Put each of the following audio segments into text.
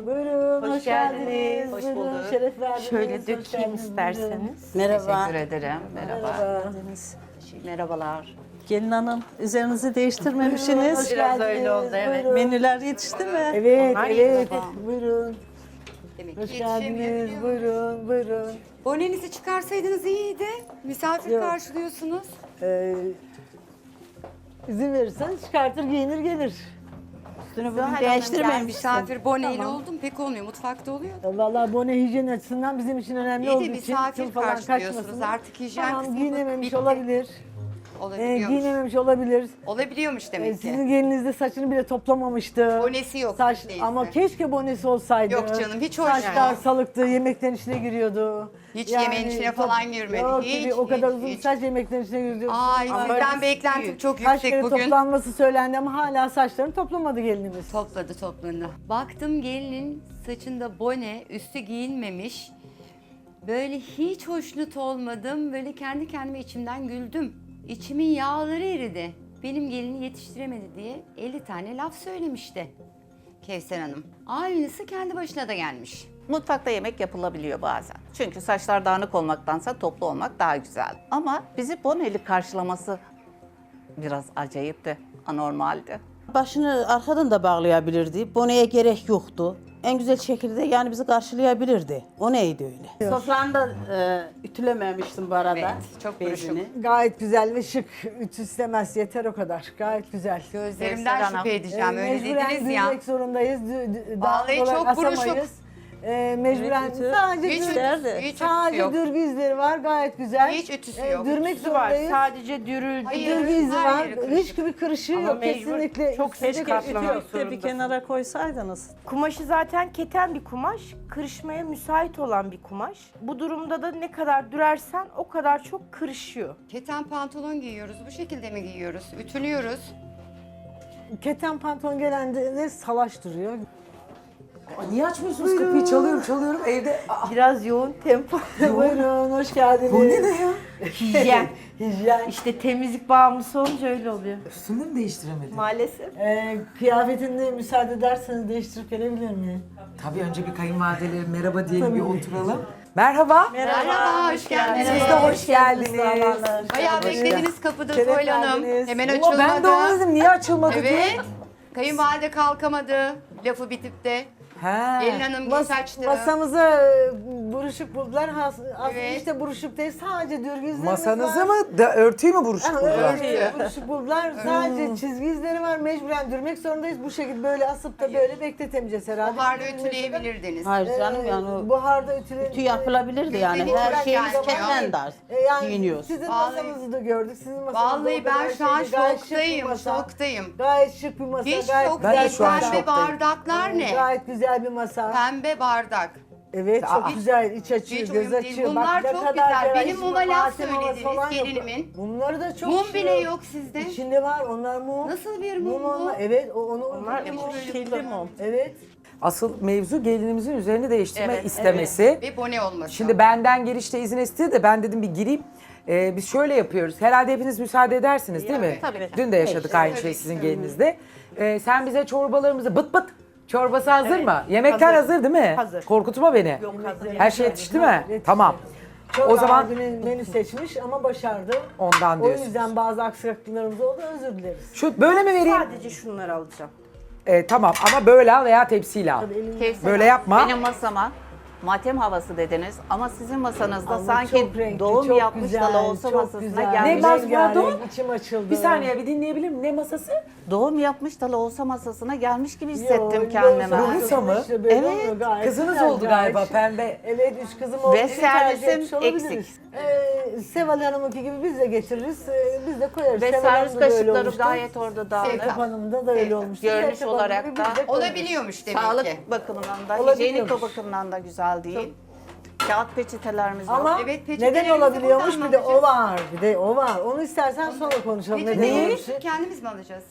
Buyurun, hoş geldiniz. Hoş Buyurun, bulduk. şeref verdiniz. Şöyle hoş dökeyim geldiniz, isterseniz. Merhaba. Teşekkür ederim. Merhaba. Merhabalar. Gelin hanım, üzerinizi Buyurun, değiştirmemişsiniz. hoş Biraz geldiniz, öyle oldu, evet. buyurun. Menüler yetişti mi? Evet, Onlar evet. iyi. Buyurun. Demek Hoş ki geldiniz. yetişemiyor. Buyurun, buyurun. Bonenizi çıkarsaydınız iyiydi. Misafir Yok. karşılıyorsunuz. İzin verirseniz çıkartır, giyinir, gelir. Üstünü bugün değiştirmemişsin. Misafir boneyle oldum pek olmuyor. Mutfakta oluyor. Vallahi bone hijyen açısından bizim için önemli İyi de olduğu için misafir tüm falan karşılıyorsunuz. kaçmasın. Artık hijyen Tamam, kısmı giyinememiş bitti. olabilir. Olabiliyormuş. Giyinememiş olabilir. Olabiliyormuş demek Sizin ki. geliniz de saçını bile toplamamıştı. Bonesi yok Saç, değilse. ama keşke bonesi olsaydı. Yok canım, hiç hoş Saçlar değil. salıktı, yemeklerin içine giriyordu. Hiç yemeğin içine falan girmedi. Yok, Hiç, o kadar hiç, uzun hiç. saç yemeklerin içine girdi. Ay sizden beklentim çok Kaç kere yüksek bugün. toplanması söylendi ama hala saçlarını toplamadı gelinimiz. Topladı. Baktım gelinin saçında bone, üstü giyinmemiş. Böyle hiç hoşnut olmadım. Böyle kendi kendime içimden güldüm. İçimin yağları eridi. Benim gelini yetiştiremedi diye 50 tane laf söylemişti Kevser Hanım. Aynısı kendi başına da gelmiş. Mutfakta yemek yapılabiliyor bazen. Çünkü saçlar dağınık olmaktansa toplu olmak daha güzel. Ama bizi boneli karşılaması biraz acayipti, anormaldi. Başını arkadan da bağlayabilirdi. Boneye gerek yoktu. En güzel şekilde yani bizi karşılayabilirdi. O neydi öyle? Sofranı da ütülememiştim bu arada. Evet, çok bezini. Gayet güzel ve şık. Ütü istemez, yeter o kadar. Gayet güzel. Gözlerimden Kevser şüphe Hanım. edeceğim. Öyle Mecburen dediniz ya. dürmek zorundayız. Vallahi Dağınık çok olarak buruşuk. asamayız. Mecburen Evet, ütü. sadece Hiç dür- ütüsü, hiç ütüsü sadece yok. dürgü izleri var. Gayet güzel. Hiç ütüsü yok. Dürmek zorundayız. Sadece dürüldü. Hayır, Dürgü izi her var. yeri kırışık. Hiçbir kırışığı yok. mecbur Kesinlikle. çok ses Kesinlikle katlamak ütü yok. Bir de bir kenara koysaydınız. Kumaşı zaten keten bir kumaş, kırışmaya müsait olan bir kumaş. Bu durumda da ne kadar dürersen o kadar çok kırışıyor. Keten pantolon giyiyoruz. Bu şekilde mi giyiyoruz? Ütülüyoruz. Keten pantolon gelende salaş duruyor. Niye açmıyorsunuz kapıyı? Çalıyorum evde. Biraz yoğun tempo. Buyurun, hoş geldiniz. Bu ne ya? Hijyen. Hijyen. İşte temizlik bağımlısı olunca öyle oluyor. Üstünde mi değiştiremedin? Maalesef. Kıyafetini müsaade ederseniz değiştirip gelebilir miyim? Tabii önce bir kayınvalideleri merhaba diyelim, bir oturalım. Merhaba. Merhaba, hoş geldiniz. Siz de hoş geldiniz. Bayağı beklediniz kapıda Şeref Soyl Hanım. verdiniz. Hemen Ulan açılmadı. ben de onu dedim, niye açılmadı diye. Evet. Kayınvalide kalkamadı. Lafı bitip de. He. Gelin hanım geç açtı. Masamıza buruşuk buldular. Aslında Evet. işte buruşuk değil, sadece dürgü izlerimiz Masanızı var. mı? Örtüyü mü buruşuk Ha, buldular? buruşuk buldular. Sadece çizgi izleri var. Mecburen dürmek zorundayız. Bu şekilde böyle asıp da böyle bekletemeyeceğiz herhalde. Buharla ütüleyebilirdiniz. Hayır canım yani o Buharda ütülen... ütü yapılabilirdi yani. Yüzde Her yüz şeyimiz yani. keten dar. Yani Giyiniyoruz. sizin Vallahi- masanızı da gördük. Sizin masanız Vallahi ben şu an şoktayım, şoktayım. Gayet şık bir masa. Hiç gayet şok Ben de değil. şu an Pembe şoktayım. bardaklar ne? Gayet güzel bir masa. Pembe bardak. Evet, çok güzel. İç açıyor, hiç göz uyum değil. açıyor. Bunlar ne çok kadar güzel. ferah, Benim hiç muma laf malzeme havası söylediniz, falan yok. gelinimin. Bunları da çok Mum şık. bile yok sizde. İçinde var, onlar mum. Nasıl bir mum bu? onlar- Evet, onu Onlar Kirli mum. Evet. Asıl mevzu gelinimizin üzerini değiştirme Evet, istemesi. Ve bone olması. Şimdi benden girişte izin istedi de ben dedim bir gireyim. Biz şöyle yapıyoruz. Herhalde hepiniz müsaade edersiniz değil mi? Tabii. Dün de yaşadık aynı şey sizin gelinizde. Sen bize çorbalarımızı bıt bıt. Çorbası hazır mı? Yemekler hazır değil mi? Hazır. Korkutma beni. Yok hazır. Her şey yetişti mi? Yetişti. Tamam. Çok O zaman ağır bir menü seçmiş ama başardı. ondan O diyorsun. yüzden bazı aksaklıklarımız oldu, özür dileriz. Şu böyle mi vereyim? Sadece şunları alacağım. Tamam ama böyle al veya tepsiyle al. Tabii elimde- Kevser Böyle Hanım, yapma. Benim masama matem havası dediniz ama sizin masanızda Ama sanki çok renkli, doğum çok yapmış güzel, da olsa çok masasına güzel. gelmiş. Ne mas- Rengarenk, pardon? İçim açıldı. Bir saniye bir dinleyebilir miyim? Ne masası? Doğum yapmış da olsa masasına gelmiş gibi hissettim Yo, kendime. yo, Ruhusa mı? işte böyle Evet. oluyor, gayet Kızınız güzel, oldu gayet galiba şık. pembe. Evet, 3 kızım oldu. Ve Bizi tercih servisim etmiş olabiliriz. eksik. Seval Hanım'ınki gibi biz de getiririz, biz de koyarız. Ve Seval servis Hanım da böyle kaşıkları olmuştu. gayet orada dağınık. Serap Hanım'da da öyle olmuştu. Görünüş Serap Hanım olarak gibi da biz de koyarız. Olabiliyormuş demek Sağlık ki. bakımından da, Olabiliyormuş. hijyenik bakımdan da güzel değil. Kağıt peçetelerimiz yok. Ama Evet, neden peçetelerimizi olabiliyormuş? buradan Bir de o alacağız. var. Bir de o var. Onu istersen sonra konuşalım. Neden Neyi? olmuş? Kendimiz mi alacağız?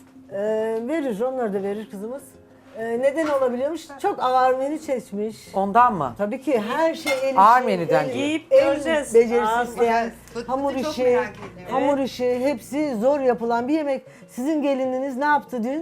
Verir, onları da verir kızımız. Neden olabiliyormuş? Çok ağır menü seçmiş. Ondan mı? Tabii ki her şey el işi. Ağır menüden el- giyip el göreceğiz. becerisi Ağır isteyen, bakacağız. hamur Çok işi, merak ediyorum. hamur işi hepsi zor yapılan bir yemek. Sizin gelininiz ne yaptı dün?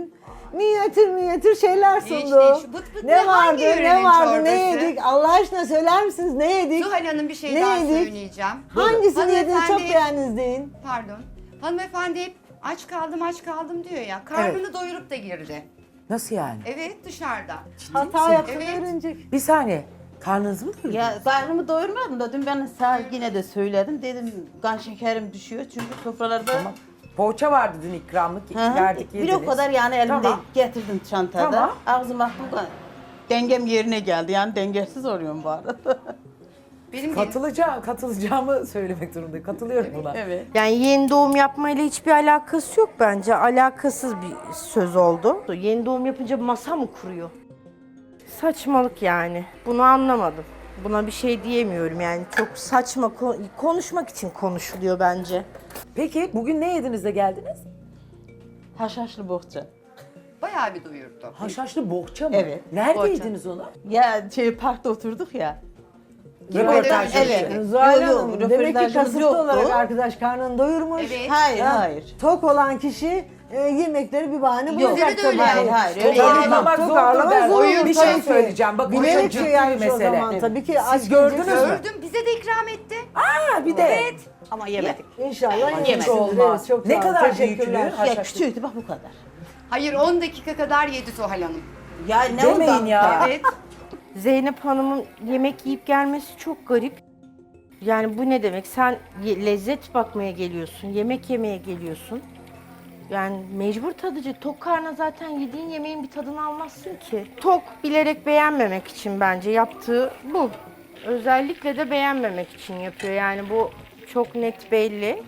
minyatür şeyler sundu. Hiç. Bıt bıt ne, hangi yörenin çorbası? Ne yedik? Allah aşkına söyler misiniz? Ne yedik? Zuhal Hanım bir şey Ne daha yedik? söyleyeceğim. Hangisini yediniz çok Hanımefendi- beğendiniz deyin. Pardon. Hanımefendi hep aç kaldım diyor ya. Karnını doyurup da girdi. Nasıl yani? Evet, dışarıda. Hata yaptığını Evet. öğrenecek. Bir saniye. Karnınızı mı doyurdunuz? Ya karnımı doyurmadım da dün ben sağ yine de söyledim. Dedim kan şekerim düşüyor çünkü sofralarda Poğaça vardı dün ikramlık. Hı hı. Verdik bir yediniz. o kadar yani elimde Tamam. getirdim çantada. Tamam. Ağzıma attım da dengem yerine geldi. Yani dengesiz oluyorum bu arada. Benim Katılacağımı söylemek zorundayım. Katılıyorum buna. Evet. Yani yeni doğum yapmayla hiçbir alakası yok bence. Alakasız bir söz oldu. Yeni doğum yapınca masa mı kuruyor? Saçmalık yani. Bunu anlamadım. Buna bir şey diyemiyorum yani. Çok saçma konuşmak için konuşuluyor bence. Peki bugün ne yediniz de geldiniz? Haşhaşlı bohça. bayağı bir doyurdu. Haşhaşlı bohça mı? Evet, Nerede bohça. yediniz onu? Ya parkta oturduk ya. Röportaj Evet. yapıyorduk. Zuhal Yok, Hanım, yok, demek ki röportajımız kasıtlı yoktu. olarak arkadaş karnını doyurmuş. Evet. Hayır, Ha, hayır. Tok olan kişi yemekleri bir bahane Yok. bulacak Öyle de öyle. tabii. Hayır, hayır. Öyle Tok yemem. ağırlamak Tok zordur ağırlamak der. zordur Bir tabii şey ki. söyleyeceğim. Bak o çok Bilerek ciddi şey bir yapmış o mesele. zaman. Tabii ki Siz aç gördünüz gelecek. mü? Gördüm, bize de ikram etti. Ha bir de. Ama yemedik. İnşallah Hiç yemesindir. olmaz. Evet, çok Ne sağ olun. kadar Teşekkürler. büyüklüğü? Ya Haşhaşlı. küçüktü bak bu kadar. Hayır, 10 dakika kadar yedi Zuhal Hanım. Ya ne Demeyin oldu? ya. Evet. Zeynep Hanım'ın yemek yiyip gelmesi çok garip. Yani bu ne demek? Sen lezzet bakmaya geliyorsun, yemek yemeye geliyorsun. Yani mecbur tadıcı. Tok karnına zaten yediğin yemeğin bir tadını almazsın ki. Tok bilerek beğenmemek için bence yaptığı bu. Özellikle de beğenmemek için yapıyor. Yani bu çok net belli.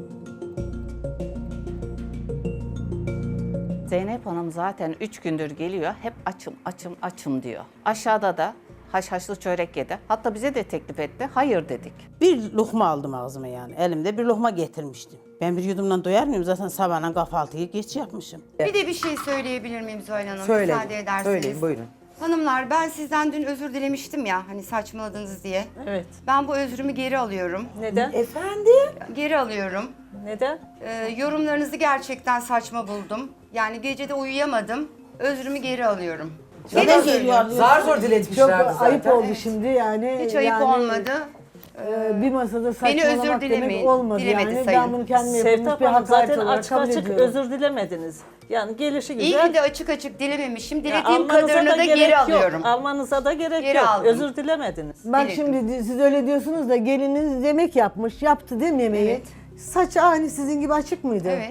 Zeynep Hanım zaten 3 gündür geliyor. Hep açım diyor. Aşağıda da haşhaşlı çörek yedi. Hatta bize de teklif etti. Hayır dedik. Bir lokma aldım ağzıma yani. Elimde bir lokma getirmiştim. Ben bir yudumdan doyar mıyım? Zaten sabahla kahvaltıyı geç yapmışım. Bir de bir şey söyleyebilir miyim Zuhal Hanım? Söyle. Müsaade ederseniz. Söyleyin buyurun. Hanımlar, ben sizden dün özür dilemiştim ya, hani saçmaladınız diye. Evet. Ben bu özrümü geri alıyorum. Neden? Efendim? Geri alıyorum. Neden? Yorumlarınızı gerçekten saçma buldum. Yani gecede uyuyamadım. Özrümü geri alıyorum. Neden Geri geliyor? söylüyorum. Zar zor Çok diletmişlerdi zaten. ayıp oldu şimdi yani. Hiç ayıp yani, olmadı. Bir masada Beni saçmalamak özür demek dilemeyin. olmadı Dilemedi yani. sayın. Ben bunu kendime yapılmış Sevtap bir Hanım hakaret zaten olarak açık kabul açık ediyorum. özür dilemediniz. Yani gelişi İyi güzel. ki de açık açık dilememişim. Ya Dilediğim almanıza kadarını da gerek geri yok. alıyorum. Almanıza da gerek Geri yok. aldım. Özür dilemediniz. Bak Diledim. şimdi siz öyle diyorsunuz da geliniz yemek yapmış, yaptı değil mi yemeği? Evet. Saçı aynı sizin gibi açık mıydı? Evet.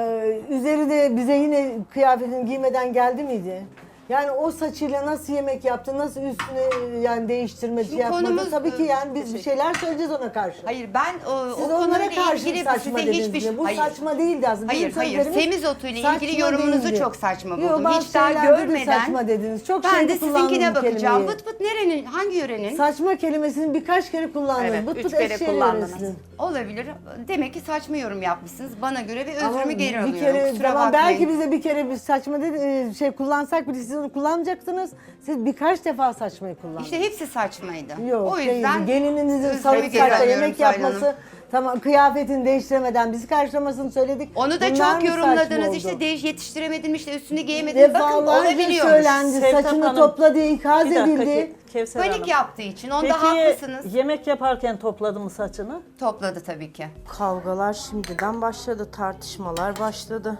Üzeri de bize yine kıyafetini giymeden geldi miydi? Yani o saçıyla nasıl yemek yaptı, nasıl üstüne yani değiştirme Şimdi şey yapmadı. konumuz, Tabii ki yani biz bir şeyler söyleyeceğiz ona karşı. Hayır, ben Siz o onlara konuyla karşı ilgili saçma size dediniz hiçbir mi? Bu hayır. saçma değildi aslında. Hayır, Bizim hayır. sözlerimiz Semizotu ile saçma ilgili yorumunuzu değildi. çok saçma Yo, buldum. bazı Hiç daha şeylerde de görmeden saçma dediniz. Çok ben şeyde de sizinkine kullandım bu bakacağım. kelimeyi. Bıt bıt nerenin, hangi yörenin? Saçma kelimesini birkaç kere kullandınız. Evet, Bıt 3 bıt kere eşeğe kullandınız. yöresiniz. Olabilir. Demek ki saçma yorum yapmışsınız bana göre ve Ama özrümü geri bir alıyorum. kere, Kusura tamam, bakmayın. belki bize bir kere bir saçma şey kullansak bile siz onu kullanmayacaksınız. Siz birkaç defa saçmayı kullandınız. İşte hepsi saçmaydı. Yok, o yüzden değildi. Gelininizin özrümü salık geri saçta alıyorum yemek Zuhal Hanım. yapması, tamam kıyafetini değiştiremeden bizi karşılamasını söyledik. Onu da Bunlar çok mı yorumladınız. saçma İşte oldu? yetiştiremedim, işte üstünü giyemedim. Bakın Defalarca olabiliyormuş. söylendi, Sevtap saçını Hanım, topla diye ikaz Bir dakika edildi. Kevser Panik Hanım. yaptığı için. Onda Peki haklısınız. yemek yaparken topladı mı saçını? Topladı tabii ki. Kavgalar şimdiden başladı, tartışmalar başladı.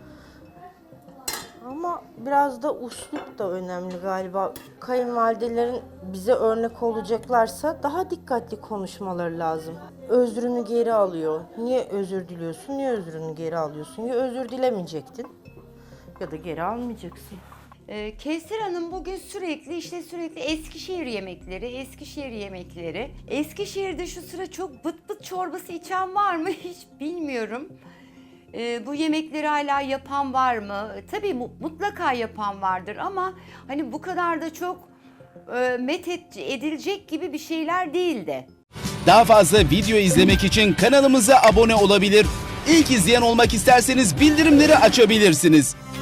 Ama biraz da uslup da önemli galiba. Kayınvalidelerin bize örnek olacaklarsa daha dikkatli konuşmaları lazım. Özrünü geri alıyor. Niye özür diliyorsun? Niye özrünü geri alıyorsun? Ya özür dilemeyecektin ya da geri almayacaksın. Kevser Hanım bugün sürekli Eskişehir yemekleri. Eskişehir'de şu sıra çok bıt bıt çorbası içen var mı hiç bilmiyorum. Bu yemekleri hala yapan var mı? Tabii mutlaka yapan vardır ama hani bu kadar da çok edilecek gibi bir şeyler değildi. Daha fazla video izlemek için kanalımıza abone olabilir. İlk izleyen olmak isterseniz bildirimleri açabilirsiniz.